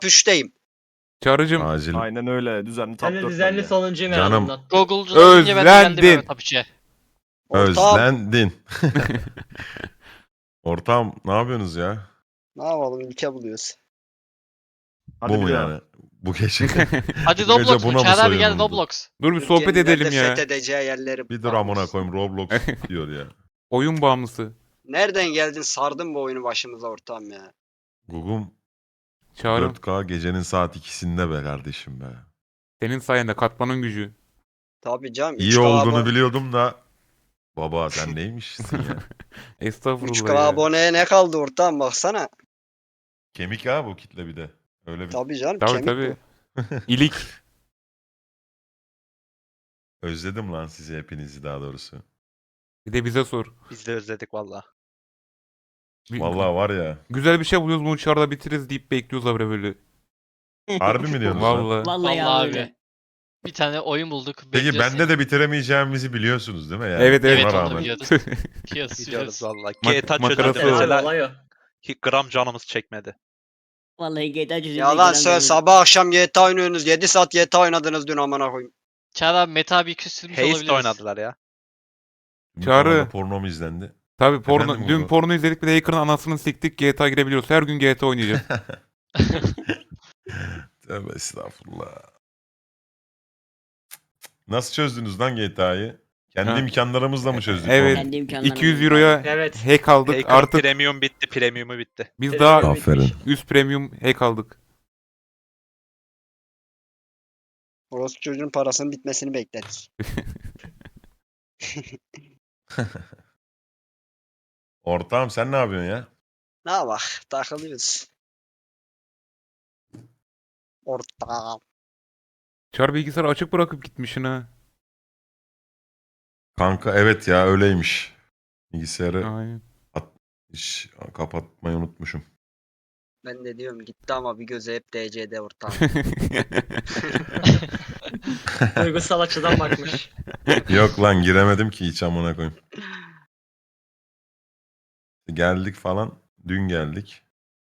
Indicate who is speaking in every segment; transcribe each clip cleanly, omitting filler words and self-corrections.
Speaker 1: top 3'teyim.
Speaker 2: Çağrı'cım
Speaker 3: Acil.
Speaker 4: Aynen öyle. Düzenli top
Speaker 5: Ben de
Speaker 4: 4
Speaker 5: düzenli
Speaker 4: bende.
Speaker 5: sonuncuyum en
Speaker 3: Canım.
Speaker 5: azından.
Speaker 6: Google'cudan önce ben de geldim
Speaker 2: Özlendin.
Speaker 6: Mehmet Apıç'e.
Speaker 1: Ortağım.
Speaker 3: Özlendin. Ortağım ne yapıyorsunuz ya?
Speaker 1: Ne yapalım, ülke buluyoruz.
Speaker 4: Hadi
Speaker 3: Bu mu
Speaker 4: bir daha.
Speaker 3: yani? Bu gece.
Speaker 6: Hadi
Speaker 3: Bu gece
Speaker 6: Roblox
Speaker 3: buna
Speaker 6: mu?
Speaker 3: mı
Speaker 6: Çağrı abi gel
Speaker 3: soyunuldu?
Speaker 6: Roblox.
Speaker 2: dur bir sohbet
Speaker 1: Türkiye'nin
Speaker 2: edelim
Speaker 1: nerede
Speaker 2: ya.
Speaker 1: fethedeceği yerleri
Speaker 3: Bir dur amına
Speaker 1: bakıyoruz.
Speaker 3: koyayım Roblox diyor ya.
Speaker 2: Oyun bağımlısı.
Speaker 1: Nereden geldin, sardın bu oyunu başımıza ortağım ya.
Speaker 3: Gugum
Speaker 2: Çağrı
Speaker 3: 4K gecenin saat 2'sinde be kardeşim be.
Speaker 2: senin sayende katmanın gücü.
Speaker 1: Tabii canım.
Speaker 3: İyi
Speaker 1: 3K
Speaker 3: olduğunu biliyordum da. Baba sen neymişsin ya?
Speaker 1: 3K
Speaker 2: Estağfurullah ya.
Speaker 1: aboneye ne kaldı ortağım, baksana.
Speaker 3: Kemik ha bu kitle bir de. Öyle bir
Speaker 1: Tabii canım,
Speaker 2: Tabii
Speaker 1: kemik
Speaker 2: tabii.
Speaker 1: bu.
Speaker 2: İlik.
Speaker 3: özledim lan sizi hepinizi daha doğrusu.
Speaker 2: Bir de bize sor.
Speaker 7: Biz de özledik valla.
Speaker 3: Vallahi var ya.
Speaker 2: Güzel bir şey buluyoruz bunu çağrıda bitiririz deyip bekliyoruz abi böyle.
Speaker 3: Harbi mi diyorsunuz lan?
Speaker 2: Vallahi.
Speaker 5: Vallahi
Speaker 6: Vallahi
Speaker 5: öyle.
Speaker 6: abi. Bir tane oyun bulduk.
Speaker 3: Peki
Speaker 6: bekliyoruz
Speaker 3: bende
Speaker 6: seni.
Speaker 3: de bitiremeyeceğimizi biliyorsunuz değil mi? Yani
Speaker 2: Evet, evet.
Speaker 3: ona
Speaker 6: Evet onu
Speaker 3: rağmen.
Speaker 6: biliyoruz. Biliyoruz.
Speaker 7: Biliyoruz valla.
Speaker 2: Mak-
Speaker 7: GTA
Speaker 2: makarası
Speaker 7: çözüldü
Speaker 2: o.
Speaker 7: mesela.
Speaker 5: Olay o.
Speaker 7: Hiç gram canımız çekmedi.
Speaker 5: Vallahi GTA çözüldü.
Speaker 1: Yalan söyle, sabah akşam GTA oynuyorsunuz. 7 saat GTA oynadınız dün, amına koyayım.
Speaker 6: Çağrı abi Meta abi küstürmüş
Speaker 7: Heist
Speaker 6: olabiliriz.
Speaker 7: oynadılar ya.
Speaker 3: Bu
Speaker 2: Çağrı.
Speaker 3: kanalda porno mu izlendi?
Speaker 2: Tabii porno.
Speaker 3: Efendim
Speaker 2: Dün
Speaker 3: Uğur?
Speaker 2: porno izledik bir de Hacker'ın anasını siktik GTA girebiliyoruz. Her gün GTA oynayacağız.
Speaker 3: Tövbe estağfurullah. Nasıl çözdünüz lan GTA'yı? Kendi
Speaker 2: Ha.
Speaker 3: imkanlarımızla mı çözdük?
Speaker 2: Evet.
Speaker 5: Kendi imkanlarım.
Speaker 2: 200 euroya
Speaker 5: Evet.
Speaker 2: hack aldık.
Speaker 7: Hacker
Speaker 2: Artık
Speaker 7: premium bitti, premiumu bitti.
Speaker 2: biz daha
Speaker 3: Aferin.
Speaker 2: üst premium hack aldık.
Speaker 1: Orospu çocuğun parasının bitmesini bekledik.
Speaker 3: Ortağım sen ne yapıyorsun ya?
Speaker 1: Ne bak, takılıyoruz. Ortağım.
Speaker 2: Çağrı bilgisayarı açık bırakıp gitmişsin ha.
Speaker 3: Kanka evet ya öyleymiş. Bilgisayarı
Speaker 2: Aynen.
Speaker 3: hiç kapatmayı unutmuşum.
Speaker 1: Ben de diyorum gitti ama bir gözü hep DC'de ortağım.
Speaker 5: Duygusal açıdan bakmış.
Speaker 3: Yok lan giremedim ki hiç amına koyayım. Geldik falan. Dün geldik.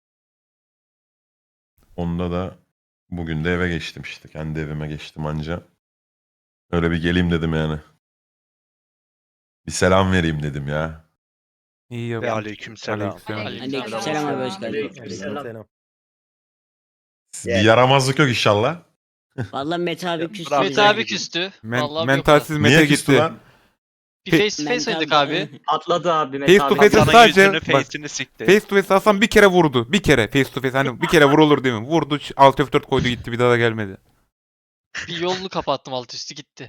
Speaker 3: Onda da bugün de eve geçtim işte. Kendi evime geçtim anca. Öyle bir geleyim dedim yani. Bir selam vereyim dedim ya.
Speaker 2: İyi
Speaker 7: Ve
Speaker 2: yaptın.
Speaker 7: aleykümselam.
Speaker 5: Aleykümselam abi, hoş geldin.
Speaker 4: Aleykümselam.
Speaker 3: Bir yaramazlık yok inşallah.
Speaker 5: Vallahi Mete abi küstü.
Speaker 7: Bravo.
Speaker 5: bize.
Speaker 6: Meta abi küstü. Vallahi
Speaker 2: Mentalsiz
Speaker 3: Niye
Speaker 2: Mete
Speaker 3: küstü
Speaker 2: gitti.
Speaker 3: lan?
Speaker 6: Bir face to face
Speaker 5: Mental-
Speaker 6: oynadık abi.
Speaker 5: Atladı abi Mete
Speaker 2: Face to
Speaker 5: abi.
Speaker 2: face
Speaker 7: Hasan'ın
Speaker 2: sadece
Speaker 7: yüzünü,
Speaker 2: bak,
Speaker 7: face'ini sikti.
Speaker 2: face to face Hasan bir kere vurdu. Bir kere face to face hani bir kere vurulur değil mi? Vurdu alt F4 koydu gitti bir daha da gelmedi.
Speaker 6: Bir yolunu kapattım alt üstü gitti.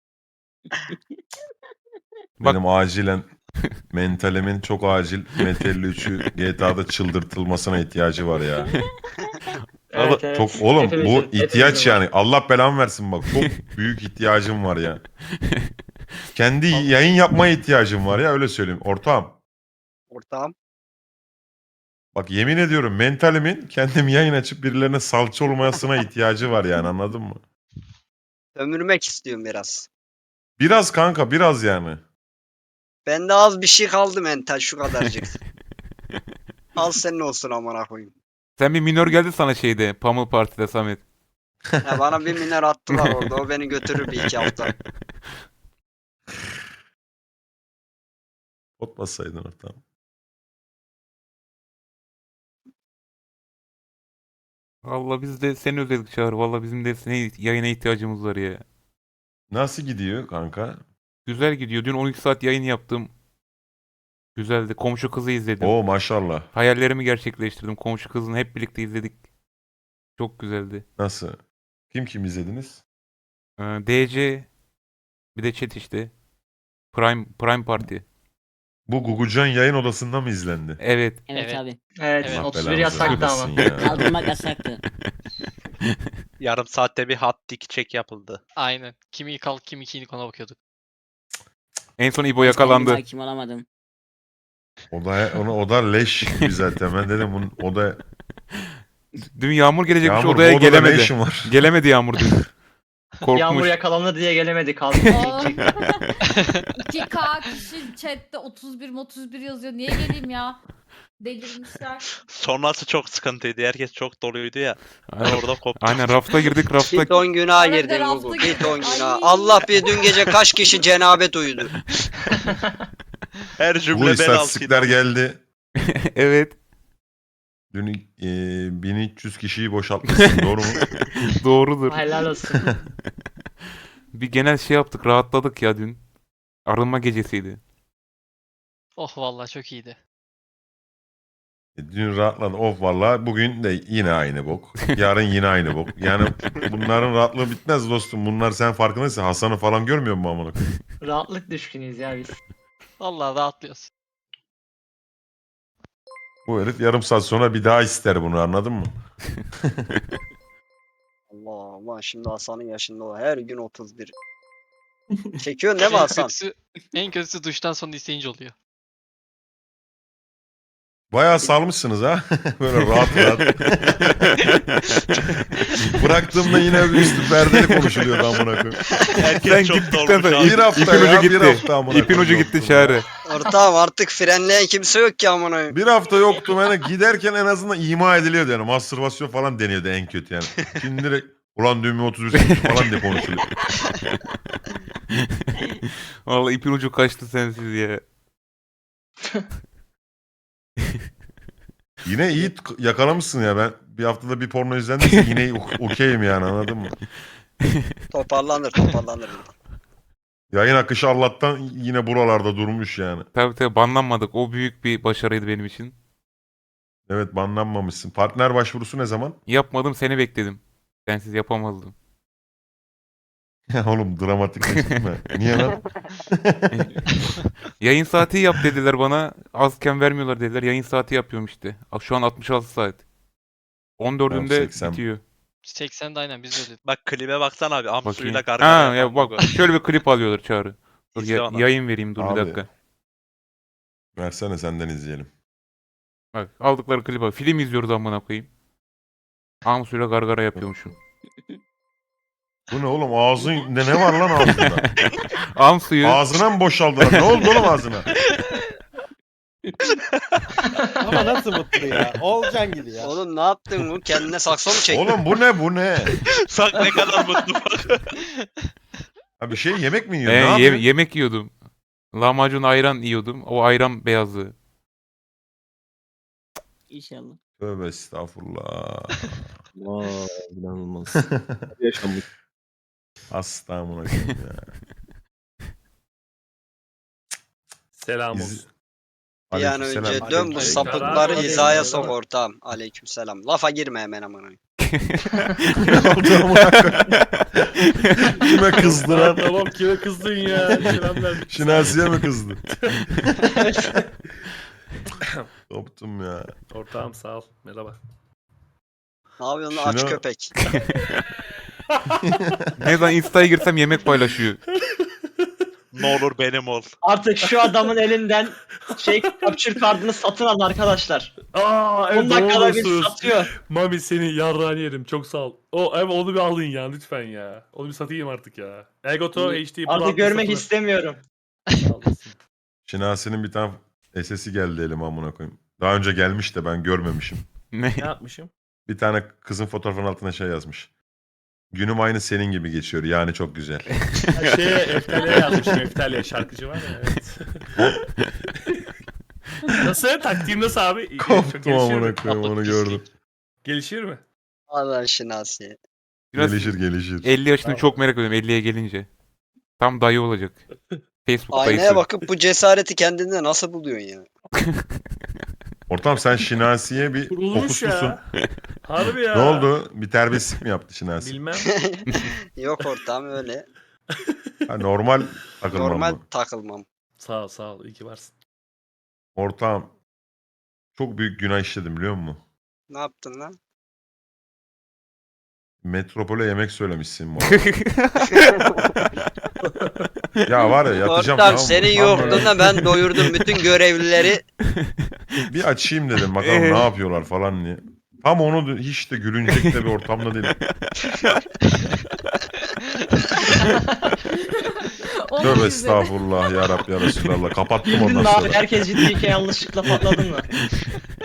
Speaker 2: Bak-
Speaker 3: Benim acilen mentalimin çok acil Metal 3'ü GTA'da çıldırtılmasına ihtiyacı var ya.
Speaker 5: Evet, evet.
Speaker 3: Çok oğlum bu
Speaker 5: Hepimizin-
Speaker 3: ihtiyaç
Speaker 5: hepimizin var.
Speaker 3: yani. Allah belamı versin bak. Çok büyük ihtiyacım var ya. Kendi yayın yapmaya ihtiyacım var ya öyle söyleyeyim. Ortağım.
Speaker 1: Ortağım.
Speaker 3: Bak yemin ediyorum mentalimin kendim yayın açıp birilerine salça olmasına ihtiyacı var yani anladın mı?
Speaker 1: Ömürmek istiyorum biraz.
Speaker 3: Biraz kanka biraz yani.
Speaker 1: Bende az bir şey kaldı mental, şu kadarcık. Al senin olsun amına koyayım.
Speaker 2: Sen bir minör geldi sana şeyde Pummel Party'de Samet.
Speaker 1: Ya bana bir miner attılar orada. O beni götürür bir iki hafta.
Speaker 3: Ot bassaydın ortağım.
Speaker 2: Valla biz de seni özledik Çağrı. Valla bizim de senin yayına ihtiyacımız var ya.
Speaker 3: Nasıl gidiyor kanka?
Speaker 2: Güzel gidiyor. Dün 12 saat yayın yaptım. Güzeldi. Komşu kızı izledim.
Speaker 3: Oo maşallah.
Speaker 2: Hayallerimi gerçekleştirdim. Komşu kızını hep birlikte izledik. Çok güzeldi.
Speaker 3: Nasıl? Kim izlediniz?
Speaker 2: DC bir de chat işte. Prime Party.
Speaker 3: Bu Gugucan yayın odasında mı izlendi?
Speaker 2: Evet.
Speaker 5: Evet
Speaker 6: Evet.
Speaker 5: abi.
Speaker 6: Evet.
Speaker 1: Evet.
Speaker 3: Allah
Speaker 5: 31
Speaker 3: belanızı
Speaker 5: yasaktı ama.
Speaker 3: vermesin ya.
Speaker 5: Kaldırmak yasaktı.
Speaker 7: Yarım saatte bir hot dick check yapıldı.
Speaker 6: Aynen. Kimi kalk kimi inik ona bakıyorduk.
Speaker 2: En son İbo yakalandı.
Speaker 5: Kendime hakim olamadım.
Speaker 3: O da leş gibi zaten. Ben dedim o da
Speaker 2: Dün Yağmur gelecekmiş
Speaker 3: Yağmur
Speaker 2: odaya
Speaker 3: bu odada ne
Speaker 2: gelemedi.
Speaker 3: işin var?
Speaker 2: Gelemedi Yağmur dün. Korkmuş.
Speaker 5: Yağmur yakalandı diye gelemedi kaldı.
Speaker 8: Aa. 2K kişi chatte 31 yazıyor. Niye geleyim ya? delirmişler.
Speaker 7: Sonrası çok sıkıntıydı. Herkes çok doluydu ya.
Speaker 2: Aynen,
Speaker 7: Orada koptu.
Speaker 2: aynen rafta girdik rafta.
Speaker 1: Bir ton günaha
Speaker 8: Arada
Speaker 1: girdin
Speaker 8: rafta
Speaker 1: Google. Bir
Speaker 8: girdim.
Speaker 1: ton günah.
Speaker 8: Ay.
Speaker 1: Allah bir dün gece kaç kişi cenabet uyudu.
Speaker 7: Her
Speaker 3: Bu
Speaker 7: cümle ben
Speaker 3: istatistikler
Speaker 7: altıydım.
Speaker 3: geldi.
Speaker 2: Evet.
Speaker 3: Dün 1300 kişiyi boşaltmışsın doğru mu?
Speaker 2: Doğrudur.
Speaker 5: Helal olsun.
Speaker 2: Bir genel şey yaptık, rahatladık ya dün. Arınma gecesiydi.
Speaker 6: Oh vallahi çok iyiydi.
Speaker 3: Dün rahatladı. Of vallahi bugün de yine aynı bok. Yarın yine aynı bok. Yani bunların rahatlığı bitmez dostum. Bunlar sen farkındaysan Hasan'ı falan görmüyor musun amına koyayım?
Speaker 5: Rahatlık düşkünüyüz ya biz.
Speaker 6: Vallahi rahatlıyoruz.
Speaker 3: Bu herif yarım saat sonra bir daha ister bunu anladın mı?
Speaker 1: Allah Allah şimdi Hasan'ın yaşında o. Her gün 31. Çekiyorsun değil mi Hasan?
Speaker 6: En kötüsü duştan sonra isteyince oluyor.
Speaker 3: Bayağı salmışsınız ha. Böyle rahat rahat. Bıraktığımda yine bir üstü perdeli konuşuluyordu amına koyayım.
Speaker 7: Herkes
Speaker 2: Sen
Speaker 7: çok
Speaker 2: gittikten
Speaker 7: dolmuş
Speaker 2: sonra
Speaker 7: abi.
Speaker 3: Bir hafta
Speaker 2: ipin
Speaker 3: ya,
Speaker 2: ucu
Speaker 3: bir
Speaker 2: gitti.
Speaker 3: hafta amına
Speaker 2: İpin ucu
Speaker 3: koyayım
Speaker 2: gitti
Speaker 3: yoktum
Speaker 2: Çağrı.
Speaker 1: Ortağım artık frenleyen kimse yok ki amına koyayım.
Speaker 3: Bir hafta yoktum yani giderken en azından ima ediliyordu yani. Mastürbasyon falan deniyordu en kötü yani. Şimdi direkt ulan düğme 31 çıkmış falan diye konuşuluyor.
Speaker 2: Vallahi ipin ucu kaçtı sensiz ya.
Speaker 3: Yine iyi yakalamışsın ya ben bir haftada bir porno izlendiyse yine okeyim yani anladın mı?
Speaker 1: Toparlanır.
Speaker 3: Yayın akışı Allah'tan yine buralarda durmuş yani.
Speaker 2: Tabii banlanmadık. O büyük bir başarıydı benim için.
Speaker 3: Evet banlanmamışsın. Partner başvurusu ne zaman?
Speaker 2: Yapmadım, seni bekledim. Sensiz yapamazdım.
Speaker 3: Ya oğlum dramatikleştirme. Niye lan?
Speaker 2: Yayın saati yap dediler bana. Azken vermiyorlar dediler. Yayın saati yapıyorum işte. Şu an 66 saat. 14'ünde
Speaker 3: Tamam, 80.
Speaker 2: bitiyor.
Speaker 6: 80'de aynen biz de öyle.
Speaker 7: Bak klibe baksana abi.
Speaker 2: Bakayım.
Speaker 7: Amsuyla gargara
Speaker 2: Ha
Speaker 7: yapan
Speaker 2: ya bak
Speaker 7: Google.
Speaker 2: şöyle bir klip alıyorlar Çağrı. Dur,
Speaker 7: İzle onu.
Speaker 2: yayın vereyim dur
Speaker 3: Abi.
Speaker 2: bir dakika.
Speaker 3: Versene senden izleyelim.
Speaker 2: Bak aldıkları klibe bak. Film izliyoruz amına koyayım. Amsuyla gargara yapıyormuşum.
Speaker 3: Bu ne oğlum ağzın ne var lan ağzında?
Speaker 2: Amsuyu
Speaker 3: Ağzına mı boşaldılar? Ne oldu oğlum ağzına?
Speaker 4: Ama nasıl mutlu ya? Olcan gibi ya.
Speaker 1: Oğlum ne yaptın bu? Kendine sakso mu çektin?
Speaker 3: Oğlum bu ne?
Speaker 7: Sak ne kadar mutlu bak.
Speaker 3: Ha bir şey yemek mi yiyorsun? Ne yapıyorsun?
Speaker 2: yemek yiyordum. Lahmacun ayran yiyordum. O ayran beyazı.
Speaker 5: İnşallah.
Speaker 3: Tövbe estağfurullah.
Speaker 4: Vay inanılmaz. Yaşanmış.
Speaker 3: Hasta amına koyayım ya.
Speaker 4: Selam
Speaker 3: İz-
Speaker 4: olsun.
Speaker 1: Bir an
Speaker 3: Aleykümselam.
Speaker 1: önce dön bu
Speaker 4: Aleyküm.
Speaker 1: sapıkları
Speaker 4: Aleyküm.
Speaker 1: hizaya
Speaker 4: Aleyküm.
Speaker 1: sok ortağım. Aleykümselam. Lafa girme hemen amına koyayım.
Speaker 3: Ne oldu amına koyayım? Kime kızdı lan?
Speaker 4: Tamam kime kızdın ya? Selamlar.
Speaker 3: Şinasiye mi kızdı? Koptum ya.
Speaker 4: Ortağım sağ ol. Merhaba.
Speaker 1: Ne yapıyorsun lan aç
Speaker 3: Şunu-
Speaker 1: köpek?
Speaker 2: Ne zaman Insta'ya girsem yemek paylaşıyor.
Speaker 7: Ne olur benim ol.
Speaker 5: Artık şu adamın elinden capture kartını satın alın arkadaşlar.
Speaker 4: Aa
Speaker 5: 10 dakikada bir satıyor.
Speaker 4: Mami seni yarrağını yerim çok sağ ol. Onu bir alın ya lütfen ya. Onu bir satayım artık ya. Elgato HD Pro
Speaker 5: Artık görmek
Speaker 4: satın.
Speaker 5: istemiyorum.
Speaker 4: Sağ olasın.
Speaker 3: Şinasi'nin bir tane SS'i geldi elime amına koyayım. Daha önce gelmiş de ben görmemişim.
Speaker 2: Ne?
Speaker 4: Ne yapmışım?
Speaker 3: Bir tane kızın fotoğrafının altına şey yazmış. Günüm aynı senin gibi geçiyor yani çok güzel.
Speaker 4: Eftalya yazmışım. Eftalya şarkıcı var ya. Evet. Nasıl? Taktiğim nasıl abi? Çok
Speaker 3: Koptum
Speaker 4: gelişir mi?
Speaker 3: amına koyayım onu gördüm.
Speaker 4: Gelişir mi?
Speaker 1: Allah şinasi.
Speaker 2: Biraz
Speaker 3: Gelişir.
Speaker 2: 50 yaşını
Speaker 4: Tamam.
Speaker 2: çok merak ediyorum 50'ye gelince. Tam dayı olacak. Facebook
Speaker 1: Aynaya
Speaker 2: dayısı.
Speaker 1: bakıp bu cesareti kendinde nasıl buluyorsun ya?
Speaker 3: Ortam sen Şinasi'ye bir
Speaker 4: Kurulmuş
Speaker 3: fokuslusun.
Speaker 4: ya. Harbi ya.
Speaker 3: Ne oldu? Bir terbiyesizlik mi yaptı Şinasi?
Speaker 4: Bilmem.
Speaker 1: Yok ortağım öyle.
Speaker 3: Ha, normal takılmam
Speaker 1: Normal
Speaker 3: mı?
Speaker 1: takılmam.
Speaker 4: Sağ ol. İyi ki varsın.
Speaker 3: Ortağım çok büyük günah işledim biliyor musun?
Speaker 1: Ne yaptın lan?
Speaker 3: Metropole yemek söylemişsin bu arada. Ya var ya yatacağım
Speaker 1: Ortam
Speaker 3: tamam mı?
Speaker 1: senin
Speaker 3: Tam
Speaker 1: yokluğunda ben doyurdum bütün görevlileri.
Speaker 3: böyle bir açayım dedim bakalım ne yapıyorlar falan diye. Tam onu hiç de gülünecek de bir ortamda değil. Tövbe estağfurullah ya Rabbi ya Resulallah. Kapattım
Speaker 5: Güldün
Speaker 3: ondan
Speaker 5: mü abi?
Speaker 3: sonra.
Speaker 5: Herkes ciddiyken yanlışlıkla patladın mı?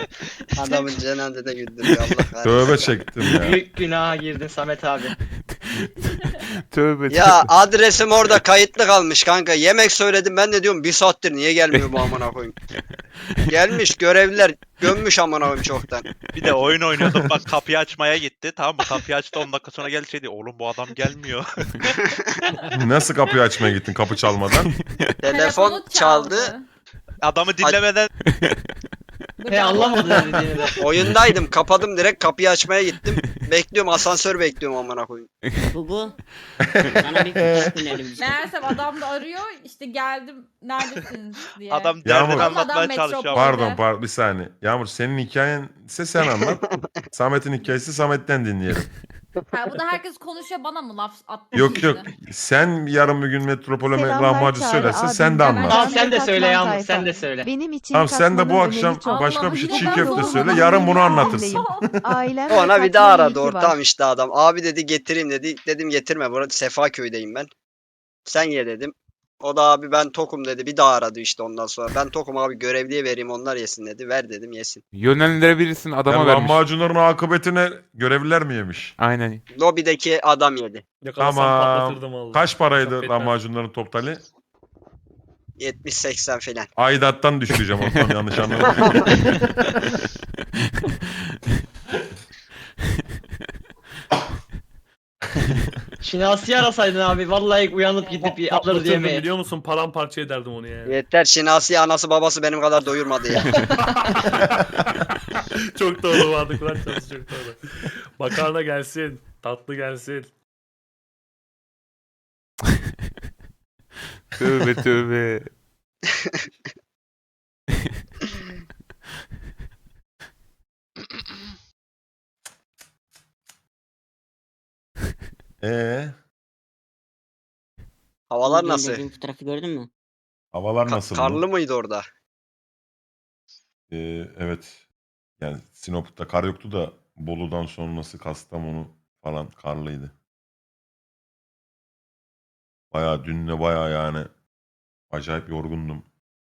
Speaker 1: Adamın cenazede güldürüyor Allah kahretsin.
Speaker 3: Tövbe çektim ya.
Speaker 5: Büyük günaha girdin Samet abi.
Speaker 2: Tövbe
Speaker 1: Ya adresim orada kayıtlı kalmış kanka. Yemek söyledim ben de diyorum bir saattir niye gelmiyor bu amına koyayım. Gelmiş görevliler gömmüş amına koyayım çoktan.
Speaker 7: Bir de oyun oynuyorduk bak kapıyı açmaya gitti. Tamam mı? Kapıyı açtı 10 dakika sonra geldi şey diyor. Oğlum bu adam gelmiyor.
Speaker 3: Nasıl kapıyı açmaya gittin kapı çalmadan?
Speaker 1: Telefon çaldı.
Speaker 7: Adamı dinlemeden
Speaker 5: He anlamadı ne dediğini de.
Speaker 1: Oyundaydım kapadım direkt kapıyı açmaya gittim. Bekliyorum asansör bekliyorum amına koyayım.
Speaker 8: Gugu. Sana bir fotoğraf önerim.
Speaker 9: Meğersem adam da arıyor işte geldim neredesiniz diye.
Speaker 7: adam
Speaker 3: Yağmur.
Speaker 7: derdini
Speaker 9: Adam
Speaker 7: anlatmaya
Speaker 9: metropol.
Speaker 7: çalışıyor.
Speaker 3: Pardon bir saniye. Yağmur senin hikayen ise sen anlat. Samet'in hikayesi Samet'ten dinleyelim.
Speaker 9: Ha, bu da herkes konuşuyor bana mı laf attı
Speaker 3: Yok yok.
Speaker 9: şimdi?
Speaker 3: Sen yarın bir gün metropole
Speaker 10: Selamlar
Speaker 3: lahmacun
Speaker 10: Çağrı
Speaker 3: söylersen
Speaker 10: abi.
Speaker 3: sen de
Speaker 9: Tamam,
Speaker 3: anlat.
Speaker 5: Tamam sen de
Speaker 10: Katman
Speaker 5: söyle Yağmur
Speaker 10: tayfa.
Speaker 5: sen de söyle.
Speaker 10: Benim için
Speaker 3: Tamam sen de bu
Speaker 10: katmanın
Speaker 3: akşam
Speaker 10: önemi çok.
Speaker 3: başka bir şey
Speaker 9: Allah'ım,
Speaker 3: çiğ
Speaker 9: yine
Speaker 3: köfte
Speaker 9: ben
Speaker 3: söyle.
Speaker 9: zorla
Speaker 3: Yarın bunu
Speaker 9: buluyorum.
Speaker 3: anlatırsın.
Speaker 10: Ailem ve
Speaker 1: Ona bir
Speaker 10: katmanın
Speaker 1: daha
Speaker 10: iyi
Speaker 1: aradı
Speaker 10: ki var.
Speaker 1: ortağım işte adam. Abi dedi getireyim dedi. Dedim getirme burada Sefaköy'deyim ben. Sen ye dedim. O da abi ben tokum dedi. Bir daha aradı işte ondan sonra. Ben tokum abi görevliye vereyim onlar yesin dedi. Ver dedim yesin.
Speaker 2: Yönlendirebilirsin adama
Speaker 3: Yani
Speaker 2: vermiş.
Speaker 3: lahmacunların akıbetine görevliler mi yemiş?
Speaker 2: Aynen.
Speaker 1: Lobideki adam yedi.
Speaker 4: Yakalasam
Speaker 3: Tamam.
Speaker 4: patlatırdım vallahi.
Speaker 3: Kaç paraydı
Speaker 4: Affetmez.
Speaker 3: lahmacunların totali?
Speaker 1: 70-80 filan.
Speaker 3: Aidattan düşüreceğim ortam yanlış anlamadım.
Speaker 5: Şinasi'yi arasaydın abi vallahi uyanıp gidip bir alırız
Speaker 4: Patlatırdım
Speaker 5: yemeği.
Speaker 4: biliyor musun? Paramparça ederdim onu yani.
Speaker 1: Yeter Şinasi anası babası benim kadar doyurmadı ya.
Speaker 4: Çok doğru vardı Kur'an çalışı çok doğru. Makarna gelsin. Tatlı gelsin.
Speaker 2: Tövbe tövbe.
Speaker 3: Ee,
Speaker 1: Havalar
Speaker 8: Bugün
Speaker 1: nasıl?
Speaker 8: dediğim fotoğrafı gördün mü?
Speaker 3: havalar nasıl?
Speaker 1: Karlı mıydı orada?
Speaker 3: Evet. Yani Sinop'ta kar yoktu da Bolu'dan sonrası Kastamonu falan karlıydı. Bayağı dünle bayağı yani acayip yorgundum.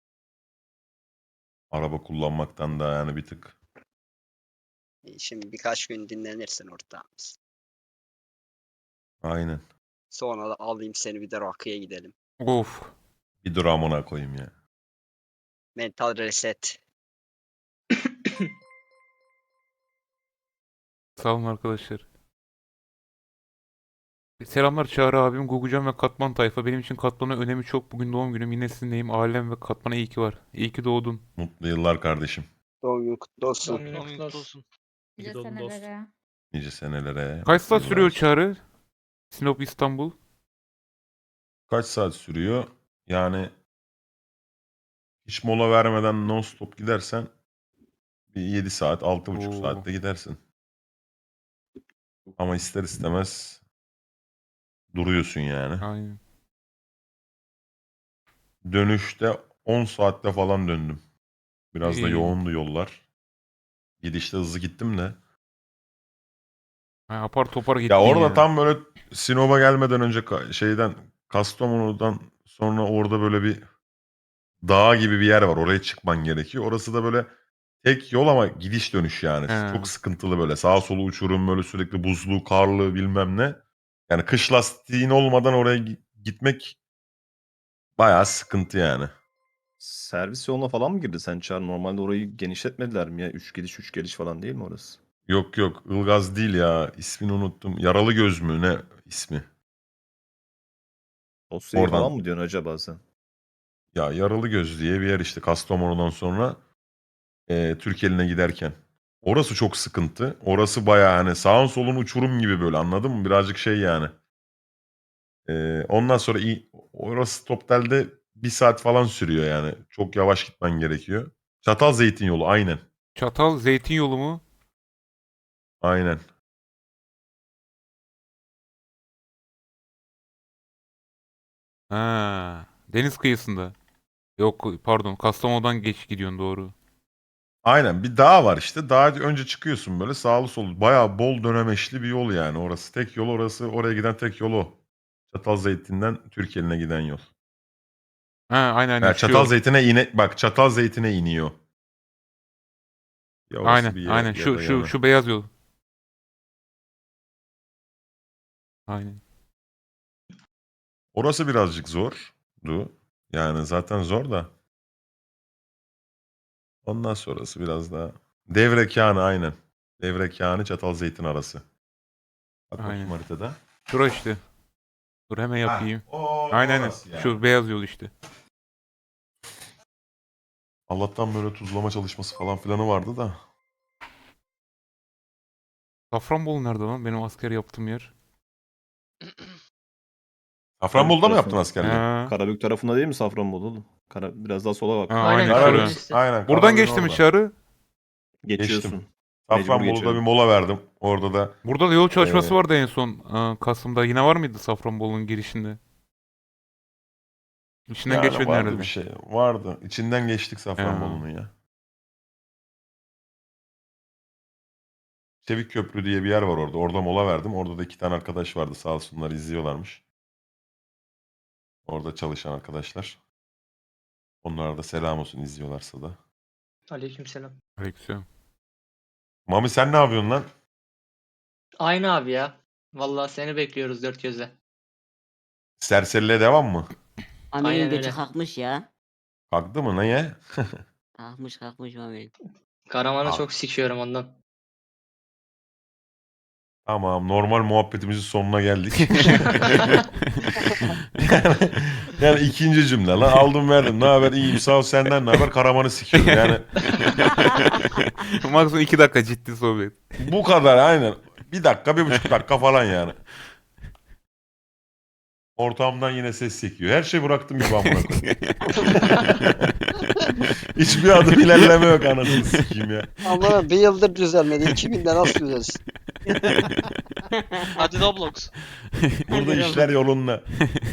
Speaker 3: Araba kullanmaktan da yani bir tık.
Speaker 1: Şimdi birkaç gün dinlenirsin ortağımız.
Speaker 3: Aynen.
Speaker 1: Sonra da alayım seni bir de rakıya gidelim.
Speaker 2: Of.
Speaker 3: Bir dramına koyayım ya.
Speaker 1: Mental reset.
Speaker 2: Sağ olun arkadaşlar. Selamlar Çağrı abim, Gugucan ve Katman tayfa. Benim için Katman'ın önemi çok. Bugün doğum günüm. Yine sizinleyim. Ailem ve Katman'a iyi ki var. İyi ki doğdun.
Speaker 3: Mutlu yıllar kardeşim.
Speaker 1: Doğum gün kutlu olsun.
Speaker 5: Doğum günün
Speaker 6: Doğum
Speaker 5: kutlu
Speaker 6: günün kutlu
Speaker 5: olsun.
Speaker 6: olsun.
Speaker 9: Nice
Speaker 4: Gidon dost.
Speaker 9: senelere.
Speaker 3: Nice senelere.
Speaker 2: Kaç saat
Speaker 3: Yıllar
Speaker 2: sürüyor
Speaker 3: olsun.
Speaker 2: Çağrı? Sinop İstanbul.
Speaker 3: Kaç saat sürüyor? Yani hiç mola vermeden non stop gidersen bir 7 saat, 6,5
Speaker 2: Oo.
Speaker 3: saatte gidersin. Ama ister istemez duruyorsun yani.
Speaker 2: Aynen.
Speaker 3: Dönüşte 10 saatte falan döndüm. Biraz da
Speaker 2: İyi.
Speaker 3: yoğundu yollar. Gidişte hızlı gittim de.
Speaker 2: Ha, apar topar gittin
Speaker 3: Ya orada
Speaker 2: ya.
Speaker 3: tam böyle Sinop'a gelmeden önce şeyden Kastamonu'dan sonra orada böyle bir dağ gibi bir yer var. Oraya çıkman gerekiyor. Orası da böyle tek yol ama gidiş dönüş yani.
Speaker 2: He.
Speaker 3: Çok sıkıntılı böyle. Sağa solu uçurum böyle sürekli buzlu, karlı bilmem ne. Yani kış lastiğin olmadan oraya gitmek bayağı sıkıntı yani.
Speaker 11: Servis yoluna falan mı girdi sen Çağrı? Normalde orayı genişletmediler mi ya? 3 gidiş 3 geliş falan değil mi orası?
Speaker 3: Yok yok Ilgaz değil ya. İsmini unuttum. Yaralı Göz mü ne ismi?
Speaker 11: Dosyayı
Speaker 3: Oradan.
Speaker 11: falan mı diyorsun acaba sen?
Speaker 3: Ya Yaralı Göz diye bir yer işte Kastamonu'dan sonra Türkiye'line giderken. Orası çok sıkıntı. Orası bayağı hani sağın solun uçurum gibi böyle anladın mı? Birazcık şey yani. Ondan sonra orası Toptel'de 1 saat falan sürüyor yani. Çok yavaş gitmen gerekiyor. Çatalzeytin yolu aynen.
Speaker 2: Çatal zeytin yolu mu?
Speaker 3: Aynen.
Speaker 2: Ha, deniz kıyısında. Yok pardon, Kastamonu'dan geç gidiyorsun doğru.
Speaker 3: Aynen bir dağ var işte. Dağa önce çıkıyorsun böyle sağlı solu. Bayağı bol dönemeçli bir yol yani orası. Tek yol orası. Oraya giden tek yol o. Çatalzeytin'den Türkiye'line giden yol.
Speaker 2: Ha aynen aynen
Speaker 3: Yani
Speaker 2: şu yol.
Speaker 3: Çatalzeytin'e iniyor. Ya orası
Speaker 2: Aynen,
Speaker 3: bir yer
Speaker 2: aynen.
Speaker 3: ya
Speaker 2: Şu
Speaker 3: da
Speaker 2: şu
Speaker 3: yana.
Speaker 2: şu beyaz yol. Aynen.
Speaker 3: Orası birazcık zordu. Yani zaten zor da. Ondan sonrası biraz daha. Devrekanı aynen. Devrekanı Çatalzeytin arası. Bak bakayım
Speaker 2: Aynen.
Speaker 3: haritada.
Speaker 2: Şura işte. Dur hemen yapayım.
Speaker 3: O
Speaker 2: Aynen aynen.
Speaker 3: orası yani.
Speaker 2: Şu beyaz yol işte.
Speaker 3: Allah'tan böyle tuzlama çalışması falan filanı vardı da.
Speaker 2: Safranbolu nerede lan? Benim asker yaptığım yer.
Speaker 3: Safranbolu'da mı
Speaker 11: tarafı.
Speaker 3: yaptın askerliği?
Speaker 2: Ha.
Speaker 11: Karabük tarafında değil mi Safranbolu oğlum? Biraz daha sola bak.
Speaker 2: Ha,
Speaker 5: Aynen,
Speaker 2: aynen
Speaker 5: Karabük
Speaker 2: şura.
Speaker 5: işte.
Speaker 3: Aynen.
Speaker 2: Buradan
Speaker 3: Karabük'ün
Speaker 2: geçtim
Speaker 3: orada.
Speaker 2: içeri.
Speaker 11: Geçiyorsun.
Speaker 3: Geçtim.
Speaker 11: Mecbur
Speaker 3: Safranbolu'da
Speaker 11: geçelim.
Speaker 3: bir mola verdim. Orada da
Speaker 2: Burada da yol çalışması
Speaker 3: Ee,
Speaker 2: vardı en son Kasım'da. Yine var mıydı Safranbolu'nun girişinde? İçinden
Speaker 3: yani
Speaker 2: geçmedin
Speaker 3: vardı
Speaker 2: herhalde.
Speaker 3: bir şey. Vardı. İçinden geçtik Safranbolu'nun ya. Çevik Köprü diye bir yer var orada. Orada mola verdim. Orada da 2 tane arkadaş vardı. Sağ olsunlar izliyorlarmış. Orada çalışan arkadaşlar. Onlara da selam olsun izliyorlarsa da.
Speaker 5: Aleykümselam.
Speaker 2: Aleykümselam.
Speaker 3: Mami sen ne yapıyorsun lan?
Speaker 5: Aynı abi ya. Vallahi seni bekliyoruz dört gözle.
Speaker 3: Serseriliğe devam mı?
Speaker 8: Amir'in
Speaker 5: Aynen
Speaker 8: götü
Speaker 5: öyle.
Speaker 8: kalkmış ya.
Speaker 3: Kalktı mı? Neye?
Speaker 8: Kalkmış Amir'in.
Speaker 5: Karaman'ı
Speaker 3: Abi.
Speaker 5: çok sikiyorum ondan.
Speaker 3: Tamam, normal muhabbetimizin sonuna geldik. yani ikinci cümle lan aldım verdim. Ne haber? İyiyim sağ ol, senden ne haber? Karaman'ı sikiyorum. Yani
Speaker 2: Maksimum 2 dakika ciddi sohbet.
Speaker 3: bu kadar aynen. 1 dakika 1,5 dakika falan yani. Ortamdan yine ses çekiyor. Her şey bıraktım gibi amına koyayım. Hiçbir adım ilerleme yok anasını sikeyim ya.
Speaker 1: Ama bir yıldır düzelmedi. 2000'de nasıl düzelsin?
Speaker 6: Hadi Roblox.
Speaker 3: Burada işler yolunda.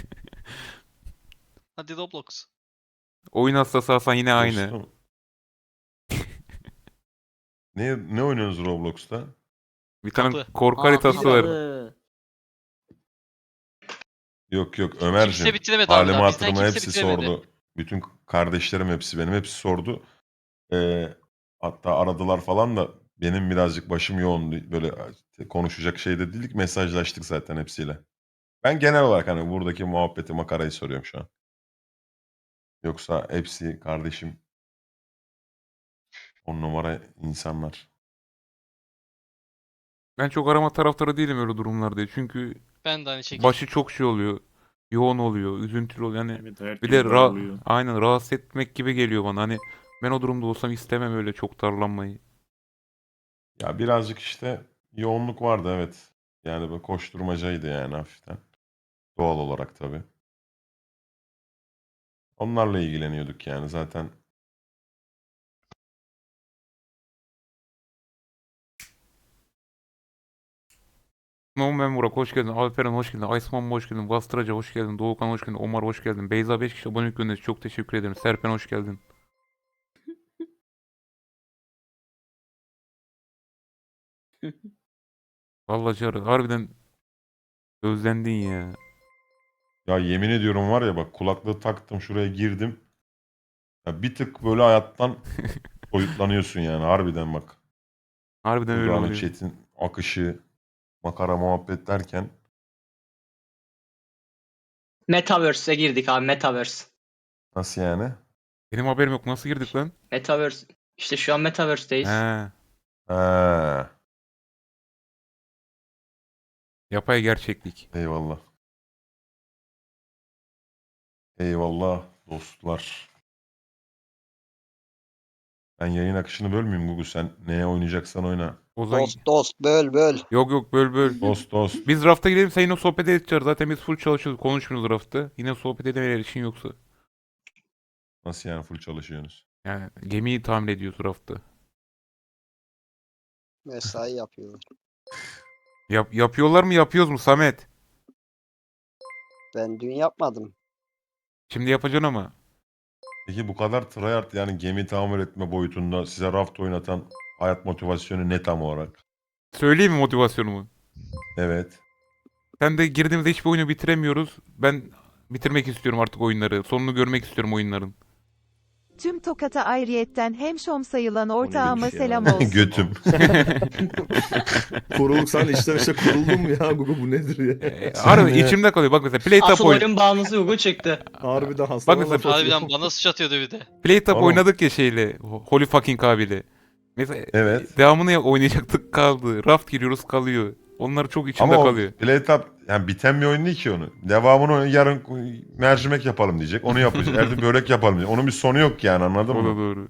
Speaker 6: Hadi Roblox.
Speaker 2: Oyun hastası Hasan yine aynı.
Speaker 3: Dostum. Ne oynuyorsunuz Roblox'ta?
Speaker 2: Bir tane
Speaker 6: Kapı.
Speaker 2: korku haritası var.
Speaker 3: Yok
Speaker 6: Kimse
Speaker 3: Ömerciğim.
Speaker 6: bitiremedi abi
Speaker 3: Halime
Speaker 6: daha. Bizden
Speaker 3: hatırıma
Speaker 6: kimse
Speaker 3: hepsi
Speaker 6: bitiremedi.
Speaker 3: sordu. Bütün kardeşlerim hepsi benim hepsi sordu. Hatta aradılar falan da benim birazcık başım yoğun. Böyle konuşacak şey de değildik. Mesajlaştık zaten hepsiyle. Ben genel olarak hani buradaki muhabbeti makarayı soruyorum şu an. Yoksa hepsi kardeşim. 10 numara insanlar.
Speaker 2: Ben çok arama taraftarı değilim öyle durumlarda. Çünkü
Speaker 6: Ben de aynı şekilde.
Speaker 2: başı çok şey oluyor. Yoğun oluyor, üzüntülü oluyor. Yani
Speaker 11: Evet, herkes
Speaker 2: bir de
Speaker 11: daralıyor.
Speaker 2: aynen rahatsız etmek gibi geliyor bana. Hani ben o durumda olsam istemem öyle çok darlanmayı.
Speaker 3: Ya birazcık işte yoğunluk vardı evet. Yani böyle koşturmacaydı yani hafiften. Doğal olarak tabii. Onlarla ilgileniyorduk yani zaten.
Speaker 2: Nomen Burak hoş geldin. Alperen hoş geldin. Aysman hoş geldin. Bastıraca hoş geldin. Doğukan hoş geldin. Omar hoş geldin. Beyza 5 kişi abonelik göndermiş. Çok teşekkür ederim. Serpen hoş geldin. Vallahi Çağrı harbiden özlendin ya.
Speaker 3: Ya yemin ediyorum var ya bak kulaklığı taktım şuraya girdim. Ya bir tık böyle hayattan soyutlanıyorsun yani harbiden bak.
Speaker 2: Harbiden öyle
Speaker 3: Burada hani
Speaker 2: oluyor.
Speaker 3: chat'in akışı, makara muhabbet derken
Speaker 5: Metaverse'e girdik abi, Metaverse.
Speaker 3: nasıl yani?
Speaker 2: Benim haberim yok. Nasıl girdik lan?
Speaker 5: Metaverse. İşte şu an Metaverse'deyiz.
Speaker 2: He.
Speaker 3: Ha,
Speaker 2: Yapay gerçeklik.
Speaker 3: eyvallah. Eyvallah dostlar. Ben yayın akışını bölmeyeyim Gugu sen neye oynayacaksan oyna.
Speaker 2: O zaman
Speaker 1: Dost böl böl.
Speaker 2: yok böl.
Speaker 3: Dost.
Speaker 2: Biz rafta gidelim sen yine sohbet edeceğiz. Zaten biz full çalışıyoruz. Konuşmuyoruz rafta. Yine sohbet edemeyen için yoksa.
Speaker 3: Nasıl yani full çalışıyorsunuz?
Speaker 2: Yani gemiyi tamir ediyoruz rafta.
Speaker 1: Mesai yapıyorlar.
Speaker 2: Yapıyorlar mı yapıyoruz mu Samet?
Speaker 1: Ben dün yapmadım.
Speaker 2: Şimdi yapacaksın ama.
Speaker 3: Peki bu kadar tryhard yani gemi tamir etme boyutunda size raft oynatan hayat motivasyonu ne tam olarak?
Speaker 2: Söyleyeyim mi motivasyonumu?
Speaker 3: Evet.
Speaker 2: Sen de girdiğimizde hiçbir oyunu bitiremiyoruz. Ben bitirmek istiyorum artık oyunları. Sonunu görmek istiyorum oyunların.
Speaker 9: Tüm Tokat'a ayrıyetten hemşom sayılan
Speaker 11: ortağıma
Speaker 9: ortağıma
Speaker 11: selam
Speaker 9: selam
Speaker 11: olsun.
Speaker 9: olsun.
Speaker 3: Götüm.
Speaker 11: Kuruluk sen içten içe kuruldun mu ya Gugu bu nedir ya?
Speaker 2: Harbi içimde kalıyor. Bak mesela Playtap
Speaker 5: Asıl oyunun bağımlısı Google çıktı.
Speaker 11: Harbiden hasta.
Speaker 2: Bak mesela
Speaker 6: Harbiden bana sıç atıyordu bir de.
Speaker 2: Playtap
Speaker 3: Oğlum.
Speaker 2: oynadık ya şeyle. Holy fucking abiyle. Mesela
Speaker 3: Evet.
Speaker 2: devamını oynayacaktık kaldı. Raft giriyoruz kalıyor. Onlar çok içimde
Speaker 3: Ama o
Speaker 2: kalıyor.
Speaker 3: Playtap yani biten bir oyun değil ki onu. Devamını yarın mercimek yapalım diyecek. Onu yapacak. Erdi börek yapalım diyecek. Onun bir sonu yok yani anladın
Speaker 2: O da
Speaker 3: mı?
Speaker 2: doğru.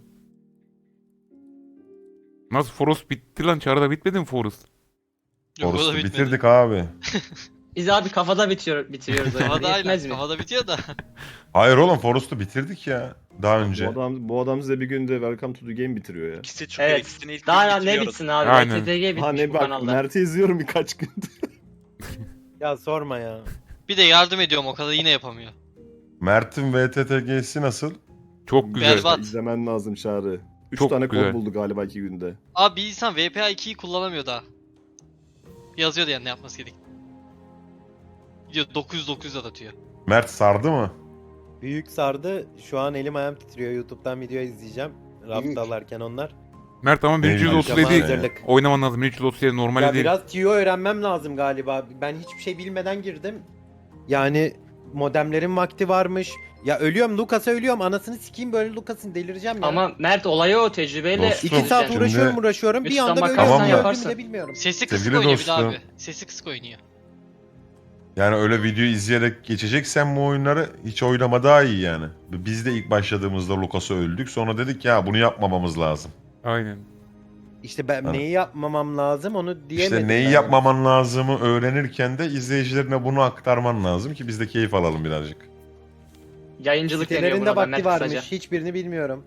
Speaker 2: Nasıl Forest bitti lan? Çağrı'da bitmedi mi Forest?
Speaker 6: Yok, o da
Speaker 3: Forest'ı
Speaker 6: bitmedi.
Speaker 3: bitirdik abi.
Speaker 5: Biz abi kafada bitiriyoruz oyunu.
Speaker 6: Kafada
Speaker 5: Yetmez
Speaker 6: aynen.
Speaker 5: mi?
Speaker 6: Kafada bitiyor da.
Speaker 3: Hayır oğlum Forest'ı bitirdik ya. Daha önce.
Speaker 11: Bu adam size bir günde Welcome to the Game bitiriyor ya.
Speaker 7: İkisi çıkıyor.
Speaker 5: Evet.
Speaker 7: İkisini ilk
Speaker 5: Daha
Speaker 7: gün
Speaker 5: ne
Speaker 7: bitiriyoruz.
Speaker 5: bitsin abi?
Speaker 2: Aynen.
Speaker 5: RTTG bitmiş
Speaker 11: Ha ne
Speaker 5: bu
Speaker 11: bak
Speaker 5: kanalda.
Speaker 11: Mert'i izliyorum birkaç gündür.
Speaker 10: Ya sorma ya.
Speaker 6: Bir de yardım ediyorum o kadar yine yapamıyor.
Speaker 3: Mert'in VTTG'si nasıl?
Speaker 2: Çok güzel.
Speaker 6: Berbat.
Speaker 11: İzlemen lazım Çağrı. 3
Speaker 2: Çok
Speaker 11: tane
Speaker 2: güzel.
Speaker 11: kod buldu galiba 2 günde.
Speaker 6: Abi bir insan VPA 2'yi kullanamıyor daha. Yazıyordu yani ne yapması gerek. Diyor 900 atıyor.
Speaker 3: Mert sardı mı?
Speaker 10: Büyük sardı. Şu an elim ayağım titriyor. YouTube'dan video izleyeceğim. Raft alarken onlar.
Speaker 2: Mert ama
Speaker 3: Eyvallah.
Speaker 2: 1337
Speaker 10: Akşama hazırlık.
Speaker 2: oynaman lazım. 1337 normal
Speaker 10: Ya
Speaker 2: değil.
Speaker 10: biraz TIO öğrenmem lazım galiba. Ben hiçbir şey bilmeden girdim. Yani modemlerin vakti varmış. Ya ölüyorum Lucas'a ölüyorum. Anasını sikeyim böyle Lucas'ın delireceğim ya.
Speaker 5: Ama Mert olayı o tecrübeyle.
Speaker 3: Dostum,
Speaker 10: 2 saat
Speaker 3: Şimdi-
Speaker 10: uğraşıyorum. Bir
Speaker 5: YouTube'dan
Speaker 10: anda böyle
Speaker 5: bakarsan
Speaker 3: Tamam mı?
Speaker 5: yaparsın.
Speaker 10: öldüğümü de bilmiyorum.
Speaker 6: Sesi kısık
Speaker 3: Sevgili
Speaker 6: oynuyor bir de
Speaker 3: dostum.
Speaker 6: abi. Sesi kısık oynuyor.
Speaker 3: Yani öyle video izleyerek geçeceksen bu oyunları hiç oynama daha iyi yani. Biz de ilk başladığımızda Lucas'a öldük. Sonra dedik ya bunu yapmamamız lazım.
Speaker 2: Aynen.
Speaker 10: İşte ben
Speaker 3: Ha.
Speaker 10: neyi yapmamam lazım onu diyemedim.
Speaker 3: İşte neyi
Speaker 10: ben.
Speaker 3: yapmaman lazımı öğrenirken de izleyicilerine bunu aktarman lazım ki biz de keyif alalım birazcık.
Speaker 5: Yayıncılık deniyor
Speaker 10: Sitelerinde
Speaker 5: buna da
Speaker 10: vakti
Speaker 5: Mert
Speaker 10: varmış.
Speaker 5: kısaca.
Speaker 10: Hiçbirini bilmiyorum.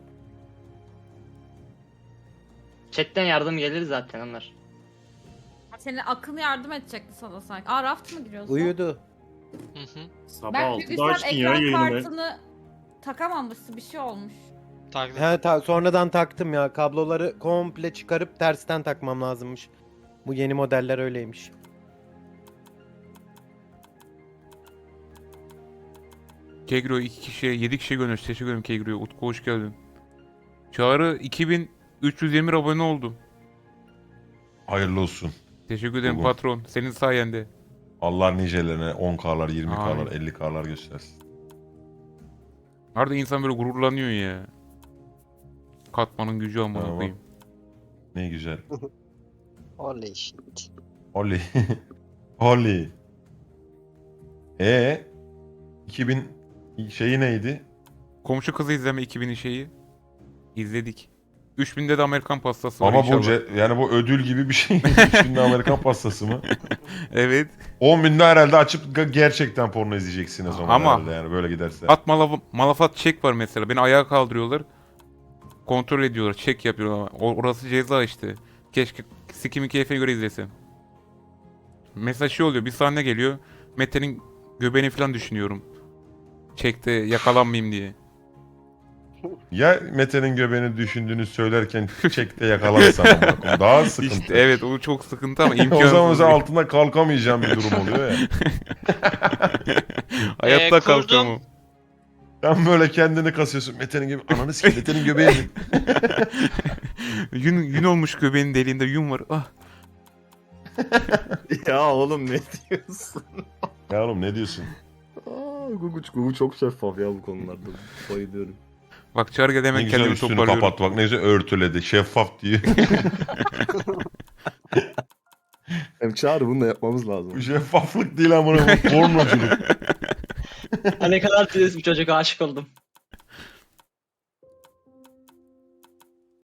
Speaker 5: Chatten yardım gelir zaten onlar.
Speaker 9: Senin akıl yardım edecekti sana sanki. Aa Raft mı giriyorsun?
Speaker 10: Uyudu.
Speaker 6: Hı hı.
Speaker 4: Sabah
Speaker 9: Ben
Speaker 4: 6'da
Speaker 9: çünkü sen
Speaker 4: açtın ya
Speaker 9: ekran
Speaker 4: yayını.
Speaker 9: kartını takamamışsın bir şey olmuş.
Speaker 6: Taklit.
Speaker 10: He sonradan taktım ya. Kabloları komple çıkarıp tersten takmam lazımmış. Bu yeni modeller öyleymiş.
Speaker 2: Kegro 2 kişiye 7 kişi göndermiş. Teşekkür ederim Kegro'ya. Utku hoş geldin. Çağrı 2320 abone oldu.
Speaker 3: Hayırlı olsun.
Speaker 2: Teşekkür ederim
Speaker 3: Bugün.
Speaker 2: patron. Senin sayende.
Speaker 3: Allah nicelerine 10K'lar, 20K'lar,
Speaker 2: Amin.
Speaker 3: 50K'lar göstersin.
Speaker 2: Arada insan böyle gururlanıyor ya. Katmanın gücü amına
Speaker 3: Tamam.
Speaker 2: koyayım.
Speaker 3: Ne güzel.
Speaker 1: Oley shit.
Speaker 3: Oli. Oli. 2000 şeyi neydi?
Speaker 2: Komşu kızı izleme 2000'in şeyi. İzledik. 3000'de de Amerikan pastası var
Speaker 3: Ama bu
Speaker 2: inşallah.
Speaker 3: yani bu ödül gibi bir şey. 3000'de Amerikan pastası mı?
Speaker 2: Evet.
Speaker 3: 10.000'de herhalde açıp gerçekten porno izleyeceksiniz o
Speaker 2: Ama-
Speaker 3: herhalde yani böyle giderse.
Speaker 2: At malafat çek var mesela. Beni ayağa kaldırıyorlar. Kontrol ediyorlar. Çek yapıyorlar. Orası ceza işte. Keşke sikimin keyfine göre izlesem. Mesela şey oluyor. Bir sahne geliyor. Mete'nin göbeğini falan düşünüyorum. Çekte yakalanmayayım diye.
Speaker 3: Ya Mete'nin göbeğini düşündüğünü söylerken çekte yakalarsan amına koyayım. Daha sıkıntı.
Speaker 2: İşte evet o çok sıkıntı ama
Speaker 3: O zaman
Speaker 2: imkansız.
Speaker 3: mesela
Speaker 2: değil.
Speaker 3: altında kalkamayacağım bir durum oluyor ya.
Speaker 2: Hayatta
Speaker 6: Kurdum.
Speaker 2: kalkamam.
Speaker 3: Sen böyle kendini kasıyorsun. Mete'nin gibi ananı sikeyim Mete'nin göbeğini.
Speaker 2: Yün olmuş göbeğin deliğinde yün var. Ah.
Speaker 11: Ya oğlum ne diyorsun?
Speaker 3: Ya oğlum ne diyorsun?
Speaker 11: Gugu çok şeffaf ya bu konularda. Bayılıyorum.
Speaker 2: Bak Çağrı gel
Speaker 3: Ne
Speaker 2: hemen
Speaker 3: güzel
Speaker 2: kendimi
Speaker 3: üstünü
Speaker 2: toparlıyorum.
Speaker 3: kapat bak ne güzel örtüledi. Şeffaf diye.
Speaker 11: Hem Çağrı bunu da yapmamız lazım.
Speaker 3: Bu şeffaflık değil amına koyayım. Pornoculuk.
Speaker 5: Ha, ne kadar temiz bir çocuk aşık oldum.